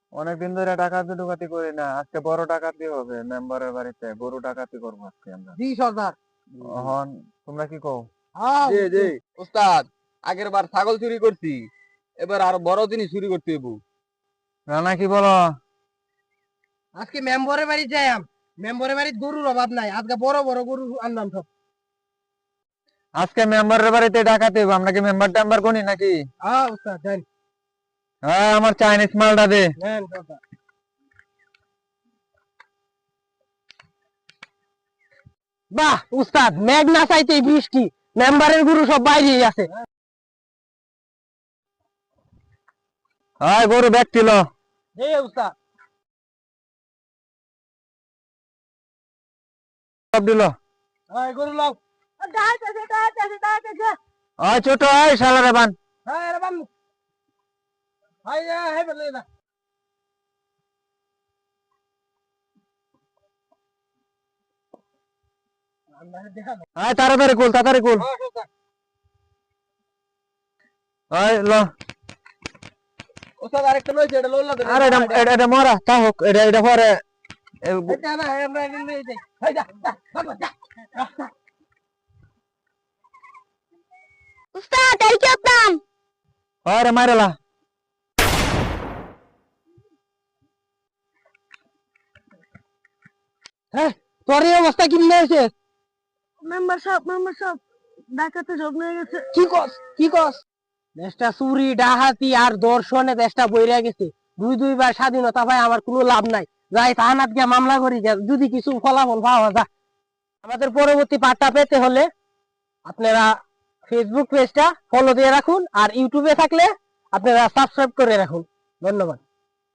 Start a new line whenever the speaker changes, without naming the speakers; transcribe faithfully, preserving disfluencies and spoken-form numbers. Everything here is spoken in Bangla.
অনেকদিন ধরে ডাকাতি ডুকাতি করি না, আজকে বড় ডাকাতি হবে মেম্বারের বাড়িতে, গরু ডাকাতি করবো আজকে আমরা।
জি সর্দার।
এখন তোমরা কি কও?
হ্যাঁ
জি জি ওস্তাদ, আগের বার ছাগল চুরি করছি, এবার আরো বড় জিনিস চুরি করতে হইব।
রানা কি বলো?
আজকে মেম্বরের বাড়ি যাইম। মেম্বরের বাড়ি গরুর অভাব নাই, আজকে বড় বড় গরু আনলাম সব।
আজকে মেম্বারের বাড়িতে ডাকাতি হবে, আমরা কি মেম্বার টেম্বার করি নাকি?
হ্যাঁ উস্তাদ দেন
হ্যাঁ, আমার চাইনিজ মালটা দে।
দেন সর্দার। বাহ উস্তাদ, মেঘ না চাইতেই বৃষ্টি, মেম্বারের গরু সব বাইরেই আছে।
হ্যাঁ, গরু ব্যক্তি লো।
জি উস্তাদ।
সব দিল।
হ্যাঁ গরু লাও। দাঁড়াইতেছে দাঁড়াইতেছে দাঁড়াইতেছে।
হ্যাঁ ছোট, এই শালারে বান।
হ্যাঁ রে বাম। হাই হাই বলে না।
হ্যাঁ তাড়াতাড়ি কুল, তাড়াতাড়ি কুল।
হ্যাঁ সর্দার।
হ্যাঁ লো।
ওস্তাদ আরেকটা লইছে, এটা লইলা দেন।
আরে এটা এটা- এটা মরা তা হোক, এটা এটা পরে এ-
এটা না আমরা নিয়ে যাই। হাই যা যা বাবা যা।
উস্তাদ এই কেতাম
আরে মারেলা।
হ্যাঁ তোর এই অবস্থা কি হয়েছে?
মেম্বার সাহেব মেম্বার সাহেব ডাকাতে সব নিয়ে গেছে।
কি কস কি কস? দেশটা চুরি ডাহাতি আর দর্শনে দেশটা বইরা গেছে। দুই দুইবার স্বাধীনতা ভাই আমার কোনো লাভ নাই। যাই থানাত গিয়ে মামলা করি যা, যদি কিছু ফলাফল পাওয়া যায়। আমাদের পরবর্তী পার্টটা পেতে হলে আপনারা ফেসবুক পেজটা ফলো দিয়ে রাখুন, আর ইউটিউবে থাকলে আপনারা সাবস্ক্রাইব করে রাখুন। ধন্যবাদ।